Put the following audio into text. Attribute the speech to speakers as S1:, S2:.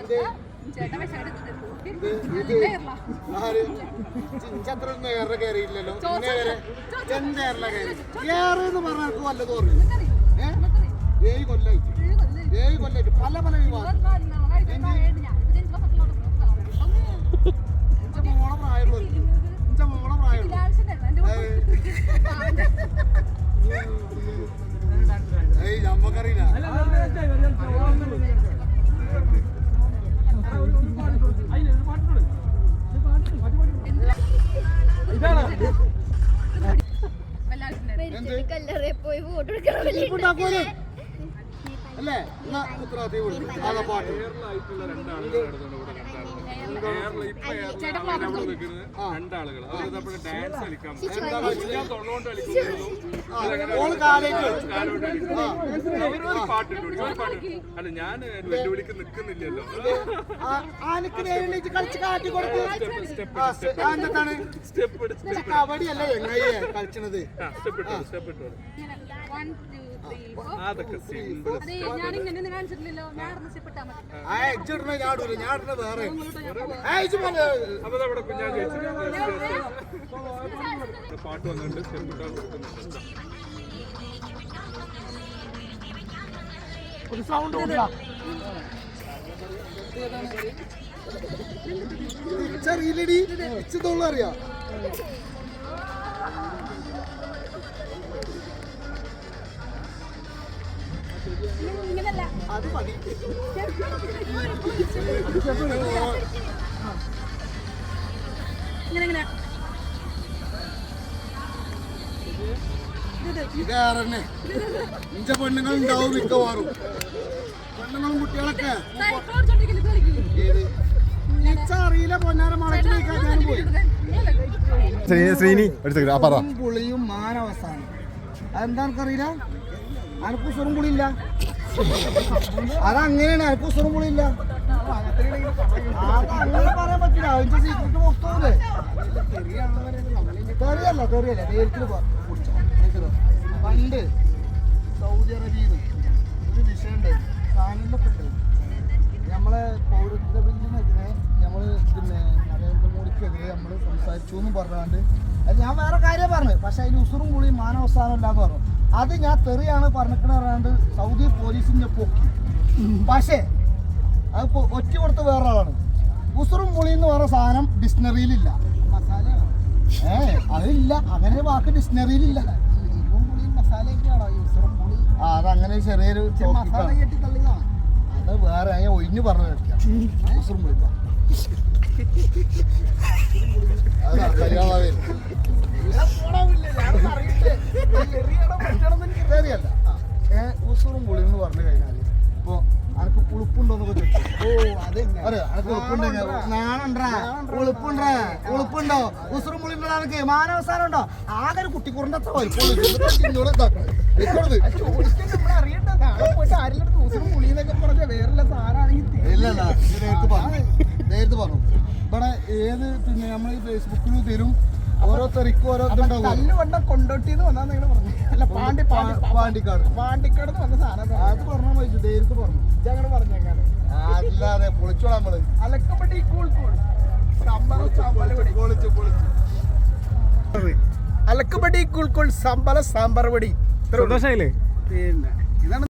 S1: ഏറെ കയറിയില്ലല്ലോ എന്തേറെ കയറി ഏറെന്ന് പറഞ്ഞാൽ വല്ലതും ഓർമ്മ 7 കൊല്ലായിട്ട് പല പല വിവാദം മോളെ പ്രായമുള്ളൂ നമ്മക്കറിയില്ല അല്ലേ ഉത്തരവാദിത്തം പാട്ട്
S2: അല്ല ഞാൻ വെല്ലുവിളിക്ക് നിൽക്കുന്നില്ലല്ലോ.
S1: കബഡിയല്ലേ എങ്ങനെ കളിച്ചത്
S2: അതൊക്കെ സിമ്പിൾ. പാട്ട് വന്നിട്ട് സ്റ്റെപ്പ് ഇട്ടാൽ
S1: ചെറിയില്ലടി ഇച്ചതുള്ള അറിയാം. അത് മതി. ഇതേറെ ഇഞ്ച പെണ്ണുങ്ങൾ ഉണ്ടാവും മിക്കവാറും. പെണ്ണുങ്ങളും കുട്ടികളൊക്കെ അറിയില്ല. പൊന്നാരം മണച്ചു ഞാൻ പോയി. പുളിയും മാനവസാനം അതെന്താ എനിക്കറിയില്ല. അനക്ക് ഉസുറും പുളിയില്ല. അതങ്ങനെയാണ്. അനക്ക് ഉസുറും പുളിയില്ല. അതങ്ങനെ പറയാൻ പറ്റില്ല. അതിന്റെ സീക്രട്ട് പുറത്തൂല്ലേ. തെറിയല്ല നേരിട്ട് പണ്ട് സൗദി അറേബ്യയിൽ ഒരു വിഷയം ഉണ്ടായിരുന്നു. സാധനങ്ങളൊക്കെ നമ്മളെ പൗരത്വ ബില്ലിനെതിരെ നമ്മൾ പിന്നെ നരേന്ദ്രമോദിക്കെതിരെ നമ്മൾ സംസാരിച്ചു എന്നും പറഞ്ഞാണ്ട് അത് ഞാൻ വേറെ കാര്യം പറഞ്ഞു. പക്ഷെ അതിൽ ഉസുറും പുളിയും മാനവസ്ഥാനം ഇല്ലാന്ന് പറഞ്ഞു. അത് ഞാൻ തെറിയാണ് പറഞ്ഞിട്ട് പറയാണ്ട് സൗദി പോലീസിന്റെ പൊക്കി. പക്ഷേ അത് ഒറ്റ കൊടുത്ത വേറെ ആളാണ്. ഉസുറും പുളി എന്ന് പറഞ്ഞ സാധനം ഡിക്ഷണറിയിലില്ല. അതില്ല. അങ്ങനെ വാക്ക് ഡിക്ഷണറിയിലില്ല. അതങ്ങനെ ചെറിയൊരു അത് വേറെ ഒഴിഞ്ഞു പറഞ്ഞു ഉസുറും പുളി ശരിയല്ല. ഉസുറും പുളി എന്ന് പറഞ്ഞു കഴിഞ്ഞാൽ ഇപ്പൊ അനക്ക് ഉളുപ്പുണ്ടോന്നൊക്കെ ചോദിച്ചു. ഉളുപ്പുണ്ടോ ഉസുറും പുളി ഉണ്ടോ മാനവസാനം ഉണ്ടോ? ആകെ ഒരു കുട്ടിക്കുറിന്റെ അത്ര നേരത്തെ പറഞ്ഞു. ഇവിടെ ഏത് പിന്നെ നമ്മൾ ഈ ഫേസ്ബുക്കിൽ തരും ഓരോ തെറിക്കും ഓരോ ഇതുണ്ടാവും. കൊണ്ടോട്ടിന്ന് വന്നാ നിങ്ങൾ പറഞ്ഞു. അല്ല പാണ്ടിക്കാട് വന്ന സാധനം അത് പറഞ്ഞാൽ മതി. നേരത്തെ പറഞ്ഞു. അങ്ങനെ പറഞ്ഞേക്കാണ്. അല്ലാതെ പൊളിച്ചോളാം നമ്മള്. അലക്കപ്പെട്ടി അലക്കപ്പെട്ടി കൂൾക്കോൾ സാമ്പാർ പൊടി. പിന്നെ ഇതാണ്.